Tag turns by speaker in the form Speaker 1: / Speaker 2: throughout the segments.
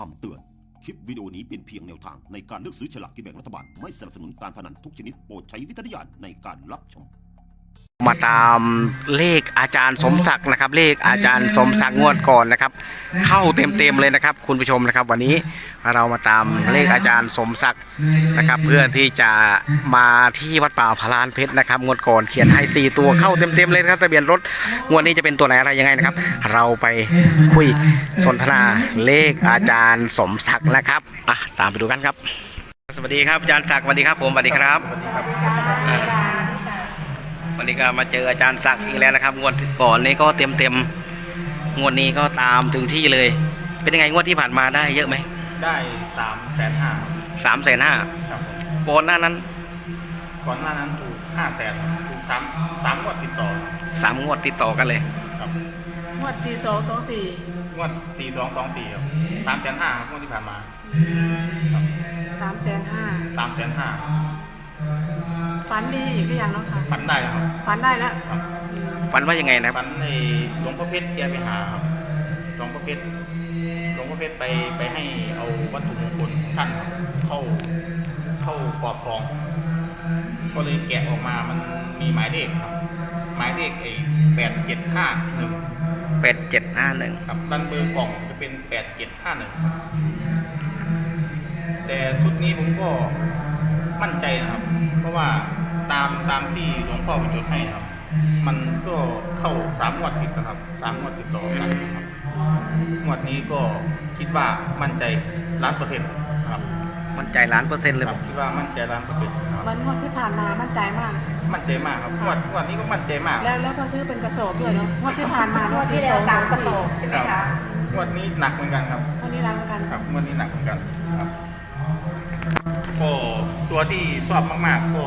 Speaker 1: คำเตือนคลิปวิดีโอนี้เป็นเพียงแนวทางในการเลือกซื้อฉลากกินแบ่งรัฐบาลไม่สนับสนุนการพนันทุกชนิดโปรดใช้วิจารณญาณในการรับชม
Speaker 2: มาตามเลขอาจารย์สมศักดิ์นะครับเลขอาจารย์สมศักดิ์งวดก่อนนะครับเข้าเต็มเลยนะครับคุณผู้ชมนะครับวันนี้เรามาตามเลขอาจารย์สมศักดิ์นะครับเพื่อที่จะมาที่วัดป่าพลานเพชรนะครับงวดก่อนเขียนให้4ตัวเข้าเต็มเลยครับทะเบียนรถงวดนี้จะเป็นตัวไหนอะไรยังไงนะครับเราไปคุยสนทนาเลขอาจารย์สมศักดิ์นะครับตามไปดูกันครับสวัสดีครับอาจารย์ศักดิ์สวัสดีครับผมสวัสดีครับวันนี้ก็มาเจออาจารย์ศักดิ์อีกแล้วนะครับงวดก่อนนี้ก็เต็มงวดนี้ก็ตามถึงที่เลยเป็นยังไงงวดที่ผ่านมาได้เยอะไหม
Speaker 3: ได้350,000
Speaker 2: 350,000
Speaker 3: ครับ
Speaker 2: ก่อนหน้านั้น
Speaker 3: ถูก500,000ถูก3งวดติดต่อ
Speaker 2: 3 งวดติดต่อกันเลย
Speaker 3: ครับ
Speaker 4: งวด4224
Speaker 3: งวด4224ครับ350,000ครับงวดที่ผ่านมาครับ
Speaker 4: 350,000ฝันดีอีกหรือยังเนาะค่ะ
Speaker 3: ฝันได้แล้วครับ
Speaker 4: ฝันได้แล้ว
Speaker 3: ครับ
Speaker 2: ฝันว่ายังไงนะ
Speaker 3: ฝันในหลวงพ่อเพชรแกไปหาครับหลวงพ่อเพชรไปให้เอาวัตถุมงคลท่านเข้ากรอบของก็เลยแกะออกมามันมีหมายเลขครับหมายเลข
Speaker 2: 8751
Speaker 3: ครับด้านเบอร์กล่องจะเป็น8751แต่ชุดนี้ผมก็มั่นใจนะครับเพราะว่าตามที่หลวงพ่อไปจดให้นะครับมันก็เข้า3 งวดติดนะครับ3 งวดติดต่อกันครับงวดนี้ก็คิดว่ามั่นใจ1,000,000%นะครับ
Speaker 2: มั่นใจ1,000,000%เลย
Speaker 3: ครับคิดว่ามั่นใจ1,000,000%ครับ
Speaker 4: วันงวดที่ผ่านมามั่นใจมาก
Speaker 3: ครับงวดนี้ก็มั่นใจมาก
Speaker 4: แล้วก็ซื้อเป็นกระสอบด้วยเนาะงวดที่ผ่านมาง
Speaker 5: วดที่แล้ว3 กระสอบใช่ไหมคะ
Speaker 3: งวดนี้หนักเหมือนกันครับ
Speaker 4: งวดนี้หนักเหมือนกัน
Speaker 3: ครับงวดนี้หนักเหมือนกันครับก็ตัวที่ชอบมากๆก็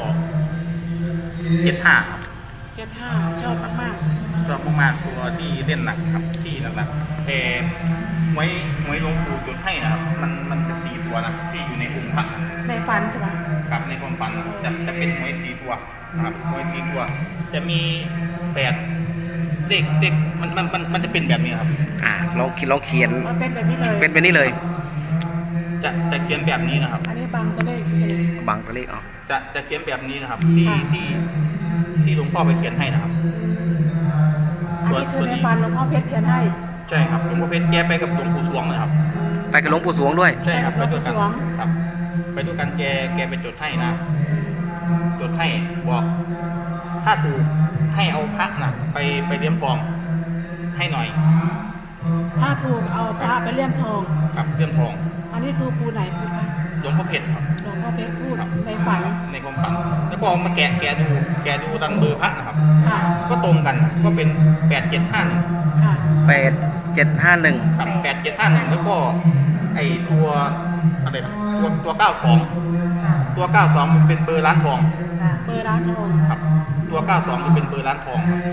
Speaker 3: 75ครับ
Speaker 4: 75ชอบมาก
Speaker 3: ชอบมากๆตัวที่เล่นหนักครับที่หนักๆแต่หวยหลวงปู่จดให้นะครับมันจะ4 ตัวนะที่อยู่ในองค์พระ
Speaker 4: ในฝันใช่ไหม
Speaker 3: ครับในความฝันจะเป็นหวย4 ตัวนะครับหวย4 ตัวจะมี8เด็กมันจะเป็นแบบนี้ครับ
Speaker 2: ลองเขียน
Speaker 4: เป็นแบบนี้เลย
Speaker 2: เป็นแบบนี้เลย
Speaker 3: จะเขียนแบบนี้นะครับ
Speaker 4: อันนี้บังตัวเลข
Speaker 3: จะเขียนแบบนี้นะครับที่หลวงพ่อไปเขียนให้นะครับ
Speaker 4: อันนี้คือในฝันหลวงพ่อเพชรเขียนให้
Speaker 3: ใช่ครับหลวงพ่อเพชรแกไปกับหลวงปู่สวงนะครับ
Speaker 2: ไปกับหลวงปู่สวงด้วย
Speaker 3: ใช่ครับไปด้วยกันครับไปด้วยกันแกไปจดให้นะจดให้บอกถ้าถูกให้เอาพระนะไปเลี่ยมทองให้หน่อย
Speaker 4: ถ้าถูกเอาพระไปเลี่ยมทอง
Speaker 3: ครับเลี่ยมทอง
Speaker 4: อันนี้คือปูไหนพูดคะ
Speaker 3: หลวงพ่อเพชรครับ
Speaker 4: หลวงพ่อเพชรพูดในฝัน
Speaker 3: ในความฝันแล้วก็มาแกะดูดันเบอร์พระนะครับก็ตรงกันก็เป็น8751
Speaker 4: ค่ะ
Speaker 2: 8751
Speaker 3: ครับ8751แล้วก็ไอตัวอะไรนะตัว92มันเป็นเบอร์ร้านทอง
Speaker 4: เบอร์ร้านทอง
Speaker 3: ครับตัว92มันเป็นเบอร์ร้านทองครับ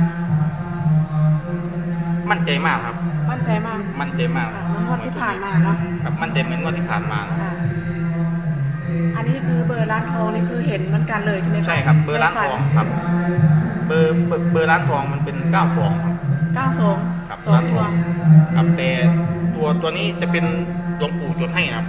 Speaker 3: มั่นใจมากครับ
Speaker 4: มั่นใจมาก
Speaker 3: เหมือน
Speaker 4: งวดที่ผ่านมาเนาะ
Speaker 3: ครับมั่นใจเหมือนงวดที่ผ่านมา
Speaker 4: อันนี้คือเบอร์ร้านทองนี่คือเห็นเหมือนกันเลยใช่ไหมครับ
Speaker 3: ใช่ครับเบอร์ร้านทองครับเบอร์ร้านทองมันเป็น92ครับ
Speaker 4: 92
Speaker 3: ครับ2 ตัวครับแต่ตัวนี้จะเป็นหลวงปู่จดให้นะครับ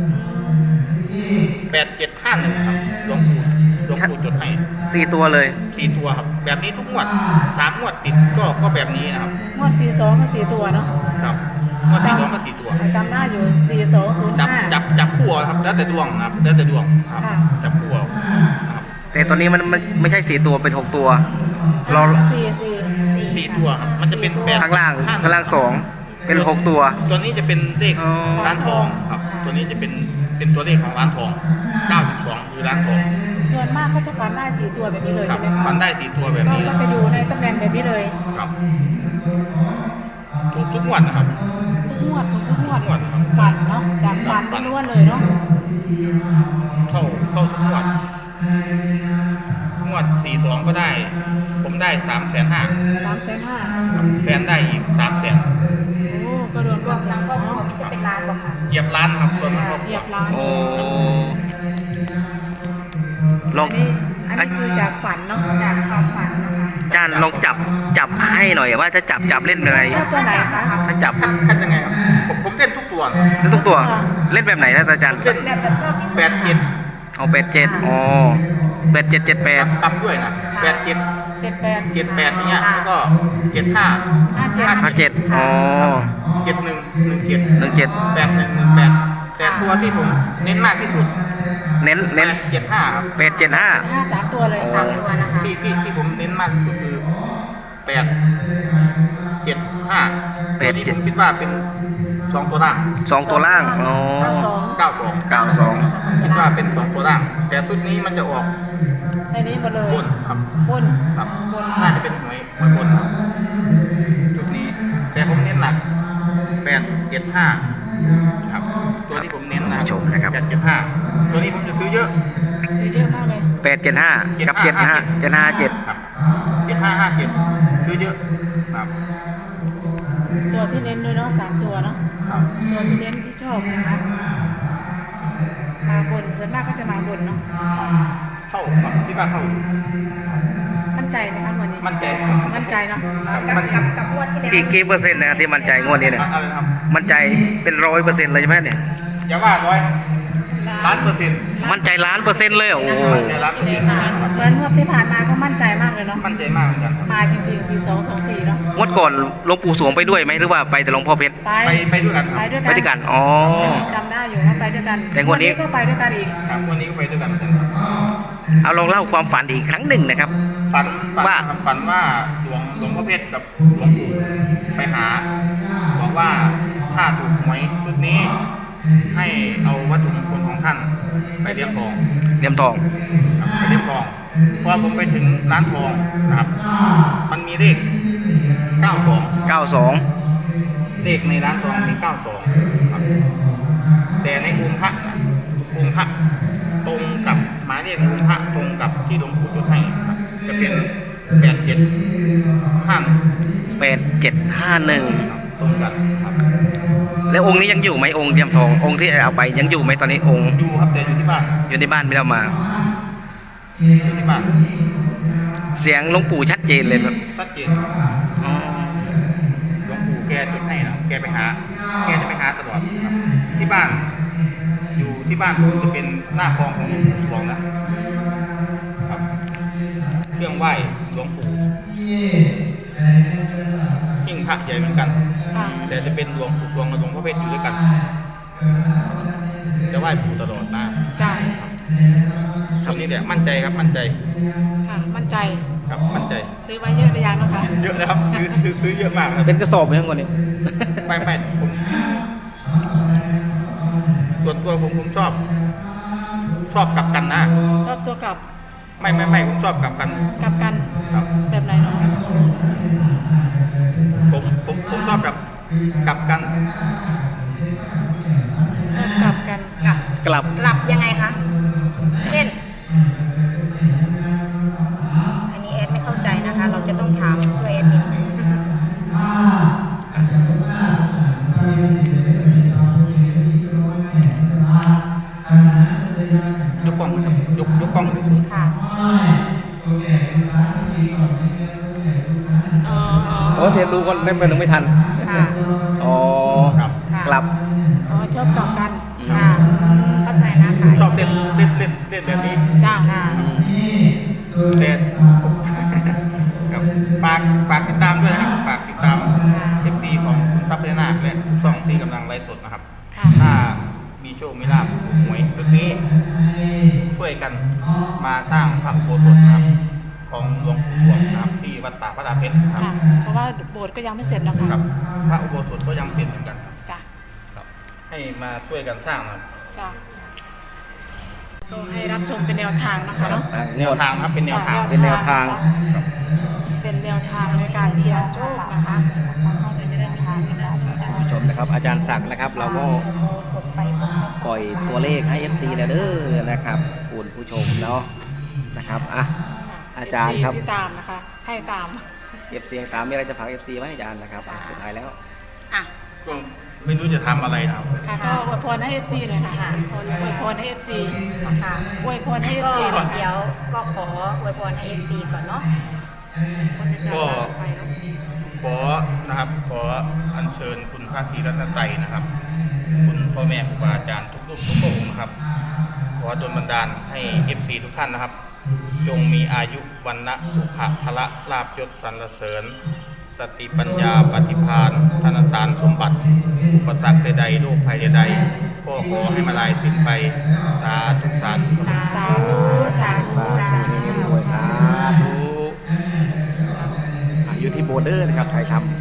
Speaker 3: 8751ครับหลวงปู่จดให้
Speaker 2: 4 ตัวเลย
Speaker 3: 4 ตัวครับแบบนี้ทุกงวด3 งวดติดก็แบบนี้นะครับ
Speaker 4: งวด42ก็4 ตัวเนาะ
Speaker 3: ครับงวด42ก็4 ตัว
Speaker 4: จำได้อยู่4205
Speaker 3: จับคู่ครับแล้วแต่ดวงนะครับแล้วแต่ดวงครับจับคู่ครับ
Speaker 2: แต่ตอนนี้มันไม่ใช่4 ตัวเป็น6 ตัว
Speaker 4: เรา
Speaker 3: 4 ตัวครับมันจะเป็น
Speaker 2: ข้างล่าง2เป็น6 ตัว
Speaker 3: ตัวนี้จะเป็นเลขร้านทองครับตัวนี้จะเป็นตัวเลขของร้านทอง92คือร้านทอง
Speaker 4: ส่วนมากก็จะฝันได้4 ตัวแบบนี้เลยใช่ไหมครับ
Speaker 3: ฝันได้4 ตัวแบบนี้
Speaker 4: ก็จะอยู่ในตำแหน่งแบบนี้เลย
Speaker 3: ครับถูกทุกงวดนะครับ
Speaker 4: ทุกงวดฝันเนาะจากฝันล้วนเลยเนาะ
Speaker 3: เข้าทุกงวด42ก็ได้ผมได้350,000แฟนได้อีก300,000
Speaker 4: โอ้ก็รวม
Speaker 5: ทั้งครอบครัวไม่ใช่เป็นล้านหรอกค่ะ
Speaker 3: เหยียบล้านครับรวมทั้งครอบครัว
Speaker 4: เหยียบล้านอันนี้คือจากฝันเนาะ
Speaker 5: จากความฝันนะคะ
Speaker 2: อาจารย์ลองจับให้หน่อยว่าจะจับเล่นอะไร
Speaker 4: ชอบตัวไหนคะ
Speaker 2: ถ้าจับ
Speaker 3: คัดยังไงครับผมเล่นทุกตัวตัวนะ
Speaker 2: เล่นทุกตัว เล่นแบบไหนนะอาจารย์
Speaker 3: เล่น
Speaker 5: แบบชอบที่สุด
Speaker 3: 87
Speaker 2: เอา87อ๋อ8778
Speaker 3: กลับด้วยนะ87
Speaker 4: 78
Speaker 3: 78อย่างเงี้ยแล้วก็75
Speaker 2: 57อ๋อ
Speaker 3: 71 17
Speaker 2: 17
Speaker 3: 81 18แต่ตัวที่ผมเน้นมากที่สุด
Speaker 2: เน้น
Speaker 3: 75ครับ
Speaker 2: 875
Speaker 4: 5 3 ตัวเลย
Speaker 5: สามตัวนะคะ
Speaker 3: ที่ผมเน้นมากที่สุดคือ875ตัวนี้ผมคิดว่าเป็น2ตัวล่าง
Speaker 2: 2 ตัวล่างอ๋อ
Speaker 3: 92
Speaker 2: 92
Speaker 3: คิดว่าเป็น2ตัวล่าง แต่ชุดนี้มันจะออก
Speaker 4: ในนี้หมดเลย
Speaker 3: บนครับ
Speaker 4: บน
Speaker 3: ครับ
Speaker 4: บน
Speaker 3: น่าจะเป็นหวยบนครับชุดนี้ แต่ผมเน้นหนัก875ครับตัวที่ผมเน้นนะ
Speaker 2: ชมนะครับ
Speaker 3: 875ตัวนี้ผมจะซื้อเยอะ
Speaker 4: ซื้อเยอะมากเลย
Speaker 2: 875กับ75 757
Speaker 3: ครับ7557ซื้อเยอะครับ
Speaker 4: ตัวที่เน้นด้วยเนาะ3 ตัวเนาะ
Speaker 3: ครับ
Speaker 4: ตัวที่เน้นที่ชอบนะคะมาบนส่วนมากก็จะมาบนเนาะ
Speaker 3: เข้าครับคิดว่าเข้าอยู่
Speaker 4: มั่นใจไหมคะวันนี้
Speaker 3: มั่นใจ
Speaker 4: มั่นใจเนาะ
Speaker 5: กับงวดที่แล้ว
Speaker 2: กี่เปอร์เซ็นต์นะที่มั่นใจงวดนี้เนี่ย
Speaker 3: เอาเลยครับ
Speaker 2: มั่นใจเป็น100%เลยใช่ไหมเนี่ย
Speaker 3: อย่าว่าร้อยล้านเปอร์เซ็นต์
Speaker 2: มั่นใจ1,000,000%เลยเหรอโอ้โห
Speaker 3: มั่นใจล้านเปอร์เซ็นต์ครับ
Speaker 4: เหมือนงวดที่ผ่านมาก็มั่นใจมากเลยเนาะ
Speaker 3: มั่นใจมากเหมือนกันครับ
Speaker 4: มาจริงๆ4224เนาะ
Speaker 2: งวดก่อนหลวงปู่สวงไปด้วยไหมหรือว่าไปแต่หลวงพ่อเพชร
Speaker 3: ไปด้วยกันค
Speaker 4: ไป
Speaker 3: รับ
Speaker 4: ด้วย
Speaker 2: ไปด้วยกันอ๋อ
Speaker 4: จำได้อยู่ว่าไปด้วยกัน
Speaker 2: แต่งวดนี้
Speaker 4: ก็ไปด้วยกันอีก
Speaker 3: ครับวันนี้ก็ไปด้วยกันเหมือนกันครับ
Speaker 2: เอาลองเล่าความฝันอีกครั้งหนึ่งนะครับ
Speaker 3: ฝัน
Speaker 2: ว่า
Speaker 3: ครับฝันว่าหลวงพ่อเพชรกับหลวงปู่ไปหาบอกว่าถ้าถูกหวยชุดนี้ ให้เอาวัตถุมงคลของท่านไปเลี้ยงทอง
Speaker 2: เหลี่ยมทอง
Speaker 3: ครับไปเลี้ยงทองพอผมไปถึงร้านทองนะครับ มันมีเลข 92
Speaker 2: 92
Speaker 3: เลขในร้านทองมี 92 ครับ แต่ในองค์พระนะองค์พระตรงกับหมายเลขในองค์พระตรงกับที่หลวงปู่จุดให้ครับจะเป็น 8751 ตรงกันครับ
Speaker 2: แล้วองค์นี้ยังอยู่ไหมองค์เหลี่ยมทององค์ที่เอาไปยังอยู่ไหมตอนนี้องค์
Speaker 3: อยู่ครับแต่อยู่ที่บ้าน
Speaker 2: อยู่ในบ้านไม่ได้เอามา
Speaker 3: อยู่ที่บ้าน
Speaker 2: เสียงหลวงปู่ชัดเจนเลยครับ
Speaker 3: ชัดเจน
Speaker 2: อ๋อ
Speaker 3: หลวงปู่แกจุดให้นะแกจะไปหาตลอดครับที่บ้าน อยู่ที่บ้านผมจะเป็นหน้าคลองของหลวงปู่สวงนะครับเครื่องไหว้หลวงปู่หิ้งพระใหญ่เหมือนกัน
Speaker 4: ค่ะ
Speaker 3: แต่จะเป็นหลวงปู่สวงกับหลวงพ่อเพชรอยู่ด้วยกันจะไหว้ปู่ตลอดนะ
Speaker 4: จ้า
Speaker 3: คำนี้แหละมั่นใจครับมั่นใจ
Speaker 4: ค่ะ มั่นใจ
Speaker 3: ครับมั่นใจ
Speaker 4: ซื้อไว้เยอะหรือยังเนาะคะ
Speaker 3: เยอะนะครับซื้อเยอะมากครับ
Speaker 2: เป็นกระสอบไหมทั้งหมดนี้
Speaker 3: ไม่ผมส่วนตัวผมชอบกลับกันนะ
Speaker 4: ชอบตัวกลับ
Speaker 3: ไม่ผมชอบกลับกัน
Speaker 4: กลับกัน
Speaker 3: ครับ
Speaker 4: แบบไหนเนาะ
Speaker 3: ผมชอบกลับกัน
Speaker 4: ชอบกลับกัน
Speaker 2: กลับ
Speaker 5: กลับยังไงคะ เช่น อันนี้แอดไม่เข้าใจนะคะ เราจะต้องถามตัวแอดมิน
Speaker 3: ยกกล้องครับยกกล้องสูง
Speaker 5: ค่ะ
Speaker 2: โอ้เดี๋ยวดูก่อนได้ไปหนึ่งไม่ทัน
Speaker 5: ค่ะ
Speaker 2: อ๋อ
Speaker 3: ๆครับ
Speaker 5: ค่ะ
Speaker 2: กลับ
Speaker 4: อ๋อชอบกลับกัน
Speaker 5: ค่ะ เข้าใจนะคะ
Speaker 3: ชอบเล่นแบบนี้
Speaker 4: จ้า
Speaker 5: ค่ะ
Speaker 3: แต่ ครับฝากติดตามด้วยนะครับฝากติดตาม FC ของคุณทรัพย์พญานาคและทุกช่องที่กำลังไลฟ์สดนะครับ
Speaker 4: ค่ะ
Speaker 3: ถ้ามีโชคมีลาภถูกหวยชุดนี้ ช่วยกันมาสร้างพระอุโบสถนะครับ ของหลวงปู่สวงนะครับที่วัดป่าพระดาเพชรค
Speaker 4: ค่ะ
Speaker 3: รับ
Speaker 4: เพราะว่าโบสถ์ก็ยังไม่เสร็จนะคะ
Speaker 3: ครับ พระอุโบสถก็ยังเป็นเหมือนกันครับ
Speaker 4: จ้า
Speaker 3: ครับ ให้มาช่วยกันสร้างนะครับ
Speaker 4: จ้าก็ให้รับชมเป็นแนวทางนะคะเนาะ
Speaker 3: แนวทางครับเป็นแนวทาง
Speaker 2: เป็นแนวทาง
Speaker 4: เป็นแนวทางในการเสี่ยงโชคนะคะให้เป็นแนวทางในการ
Speaker 2: ท่านผู้ชมนะครับ อาจารย์ศักดิ์นะครับ เราก็
Speaker 5: สดไปหมด
Speaker 2: ปล่อยตัวเลขให้ FC แล้วเด้อนะครับคุณผู้ชมเนาะนะครับอ่ะ อาจารย์ครับ
Speaker 4: ที่ตามนะคะ ให้ตาม
Speaker 2: FC ตามมีอะไรจะฝาก FC ไหมอาจารย์นะครับอ่ะสุดท้ายแล้ว
Speaker 5: อ่ะ
Speaker 3: ก็ไม่รู้จะทำอะไรนะครับ
Speaker 4: ค่ะก็อวยพรให้ FC หน่อยค่ะอวยพรให้ FC
Speaker 5: ค่ะ
Speaker 4: อวยพรให้
Speaker 5: ก็
Speaker 4: FC หน่อย
Speaker 5: เดี๋ยวก็ขออวยพรให้ FC ก่อนเนาะคนจะ
Speaker 3: ก็
Speaker 5: ไปเนาะ
Speaker 3: ขอนะครับขออัญเชิญคุณพระศรีรัตนตรัยนะครับคุณพ่อแม่ครูบาอาจารย์ทุกรูปทุกองค์นะครับขอดลบันดาลให้ FC ทุกท่านนะครับจงมีอายุวันนะสุขะพละลาภยศสรรเสริญสติปัญญาปฏิภาณธนสารสมบัติอุปสรรคใดๆโรคภัยใดๆก็ขอให้มาลายสิ้นไปสาธุสาธุ
Speaker 4: สาธุสาธุ
Speaker 2: สาธุรวยสาธุอยู่ที่โบเดอร์นะครับไทยทำ